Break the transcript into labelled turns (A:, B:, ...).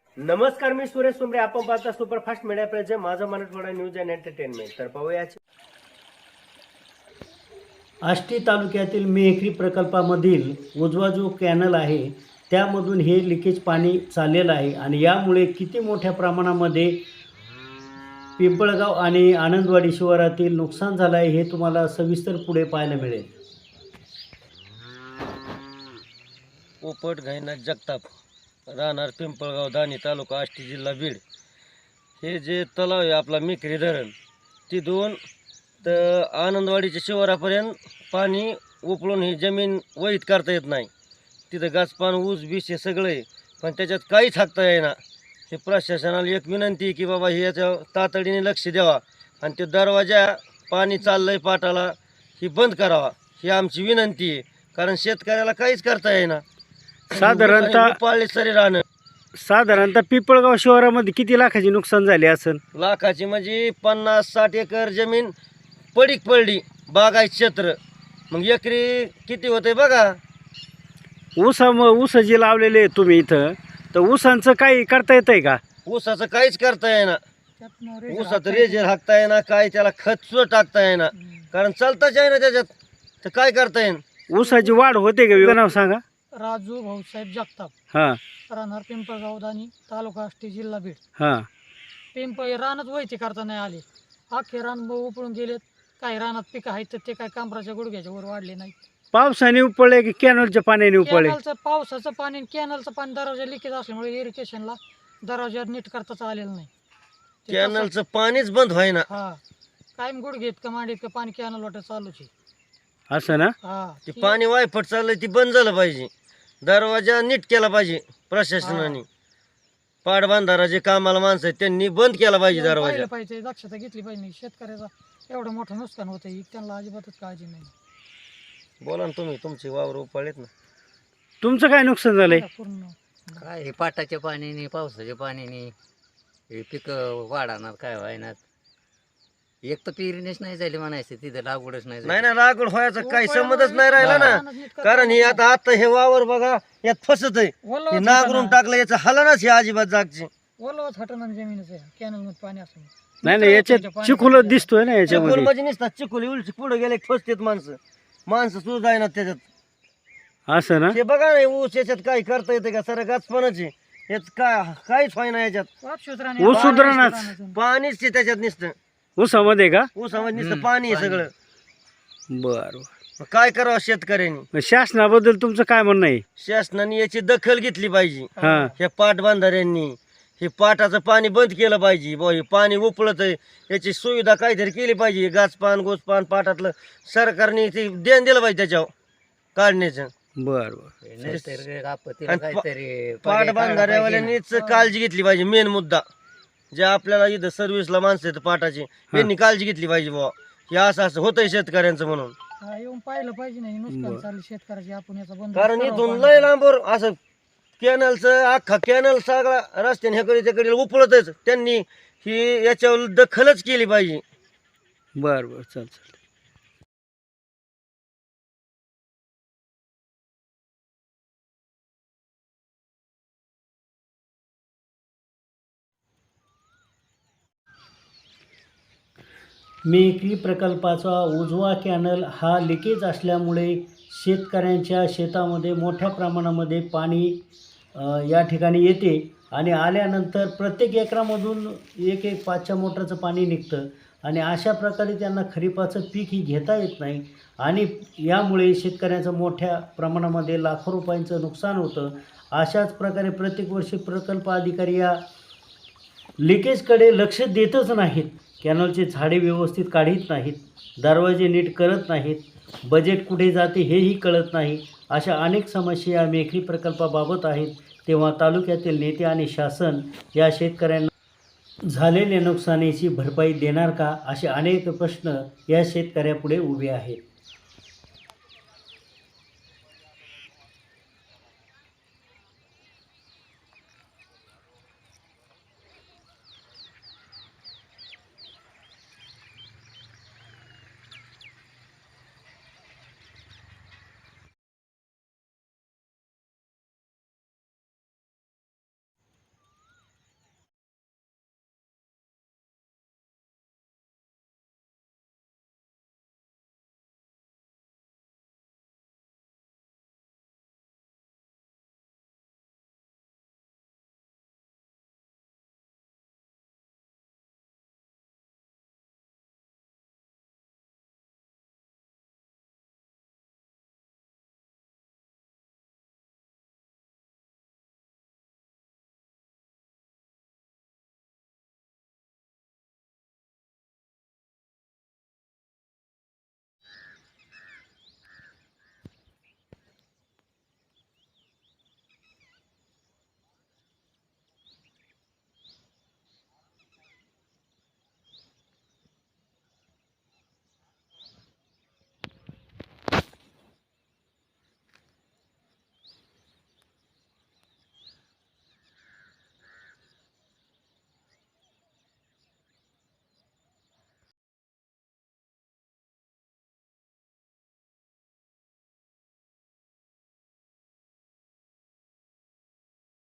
A: नमस्कार, मी सुरेश सुमरे. आपण पाहता सुपरफास्ट मीडिया प्रेझेंट माझं मराठवाडा न्यूज अँड एंटरटेनमेंट. तर पाहूया
B: आष्टी तालुक्यातील मेखरी प्रकल्पामधील उजवा जो कॅनल आहे त्यामधून हे लिकेज पाणी चाललेलं आहे आणि यामुळे किती मोठ्या प्रमाणामध्ये पिंपळगाव आणि आनंदवाडी शिवारातील नुकसान झालं आहे हे तुम्हाला सविस्तर पुढे पाहायला मिळेल.
C: पोपट घाईनाथ जगताप, राहणार पिंपळगाव, दाणी तालुका, आष्टी, जिल्हा बीड. हे जे तलाव आहे आपला मेखरी धरण, तिथून तर आनंदवाडीच्या शिवारापर्यंत पाणी उपळून ही जमीन वहीत करता येत नाही. तिथं गाचपान, ऊस बीस हे सगळं आहे, पण त्याच्यात काहीच हाकता येईना. हे प्रशासनाला एक विनंती आहे की बाबा हे याच्या तातडीने लक्ष द्यावा आणि ते दरवाजा पाणी चाललंय पाटाला ही बंद करावा, ही आमची विनंती आहे. कारण शेतकऱ्याला काहीच करता येईना. पाळले सरी राहणं.
B: साधारणतः पिंपळगाव शिवारामध्ये किती लाखाची नुकसान झाले असेल?
C: लाखाची म्हणजे 50-60 एकर जमीन पडीक पडली, बागायत क्षेत्र. मग एकरी किती होते बघा.
B: ऊस जे लावलेले तुम्ही इथं, तर ऊसांचं काही करता येतंय का?
C: ऊसाचं काहीच करता येईना. ऊसाचं रेजर हाकता येईना, काय त्याला खत सुद्धा टाकता येईना, कारण चालताच आहे ना त्याच्यात. तर काय करता येईन?
B: ऊसाची वाढ होते का? नाव सांगा.
D: राजू भाऊसाहेब जगताप,
B: हां
D: राहणार पिंपळगाव, दाणी तालुका, आष्टी, जिल्हा बीड.
B: हां
D: रानात वयचे करता नाही आले. अख्खे रान उपळून गेलेत. काही रानात पिकं आहेत तर ते काय कांबराच्या गुडघ्याच्या वर वाढले नाहीत.
B: पावसाने उपळले की कॅनलच्या पाण्याने उपळले?
D: पावसाचं पाणी, कॅनलचं पाणी, दरवाजा लिकेज असल्यामुळे इरिगेशनला दरवाजा नीट करताच आलेलं नाही.
C: कॅनलचं पाणीच बंद व्हायना.
D: हा, कायम गुडघे इतकं मांडी इतकं पाणी कॅनल वाटत चालूच आहे.
B: असं ना?
D: हा,
C: ते पाणी वायफट चाललंय, ती बंद झालं पाहिजे. दरवाजा नीट केला पाहिजे प्रशासनाने. पाटबंधारा जे कामाला माणसं आहेत त्यांनी बंद केला पाहिजे दरवाजा.
D: पाहिलं पाहिजे, दक्षता घेतली पाहिजे. शेतकऱ्याचा एवढं मोठं नुकसान होतं, त्यांना अजिबातच काळजी नाही.
C: बोला ना तुम्ही, तुमचे वावर उपाळलेत ना.
B: तुमचं काय नुकसान झालंय?
D: पूर्ण
E: काय हे पाटाच्या पाण्याने, पावसाच्या पाण्याने हे पिकं वाढणार, काय व्हायनात. एक तर पेरणीच नाही झाली म्हणायचं, तिथं लागवडच नाही झाली.
C: नाही ना, लागवड व्हायचं काही संबंधच नाही राहिला ना. कारण हे आता हे वावर बघा, यात फसत आहे. हे नांगरून टाकलं, याचं हलनाच हे अजिबात जागची.
D: ओलवत हटणार जमीनच आहे कॅनल मध्ये पाणी असं.
B: नाही याच्यात चिखुल दिसतोय ना
C: चिखोल
B: याच्यामध्ये.
C: म्हणजे नसतात, चिखोल उलची पुढे गेले फसतेत माणसं सुद्धा जाईना त्याच्यात.
B: असं ना?
C: हे बघा ना, ऊस याच्यात काही करता येते का? सर गाचपणाचे याच काहीच व्हायना याच्यात.
B: ऊस सुधारणाच.
C: पाणीच ते त्याच्यात नुसतं.
B: ऊसामध्ये का?
C: ऊसामध्ये नुसतं पाणी आहे सगळं.
B: बर.
C: मग काय करावं शेतकऱ्यांनी?
B: शासनाबद्दल तुमचं काय म्हणणं आहे?
C: शासनाने याची दखल घेतली पाहिजे.
B: हा.
C: ह्या पाटबंधाऱ्यांनी हे पाटाचं पाणी बंद केलं पाहिजे. बुवा हे पाणी उपळत आहे, याची सुविधा काहीतरी केली पाहिजे. गाचपान गोचपान पाटातलं सरकारने ते ध्यान दिलं पाहिजे त्याच्यावर काढण्याचं.
B: बर.
E: नैसर्गिक आपत्तीला
C: आणि
E: काहीतरी पर्याय काढला
C: पाटबंधाऱ्यावाल्यांनीच काळजी घेतली पाहिजे. मेन मुद्दा जे आपल्याला इथं सर्व्हिसला माणसं आहेत पाटाची, त्यांनी काळजी घेतली पाहिजे. बुवा हे असं होतंय शेतकऱ्यांचं म्हणून.
D: येऊन पाहिलं पाहिजे नाही नुकसान चालू शेतकऱ्याचे. आपण याचा बंद
C: कारण इथून लय लांबवर असं कॅनलचं अख्खा कॅनल सगळा रस्त्याने ह्याकडे त्याकडे उपळतच. त्यांनी ही याच्यावर दखलच केली पाहिजे.
B: बर. चल. मेखरी प्रकल्पाचा उजवा कॅनल हा लिकेज असल्यामुळे शेतकऱ्यांच्या शेतामध्ये मोठ्या प्रमाणामध्ये पाणी या ठिकाणी येते आणि आल्यानंतर प्रत्येक एकरामधून एक 5च्या मोटरचं पाणी निघतं आणि अशा प्रकारे त्यांना खरीपाचं पीक ही घेता येत नाही आणि यामुळे शेतकऱ्यांचं मोठ्या प्रमाणामध्ये लाखो रुपयांचं नुकसान होतं. अशाच प्रकारे प्रत्येक वर्षी प्रकल्प अधिकारी या लिकेजकडे लक्ष देतच नाहीत. कॅनलचे झाडे व्यवस्थित काढीत नाहीत, दरवाजे नीट करत नाहीत, बजेट कुठे जाते हेही कळत नाही. अशा अनेक समस्या मेखरी प्रकल्पाबाबत आहेत. तेव्हा तालुक्यातील नेते आणि शासन या शेतकऱ्यांना झालेल्या नुकसानीची भरपाई देणार का, असे अनेक प्रश्न या शेतकऱ्यापुढे उभे आहेत.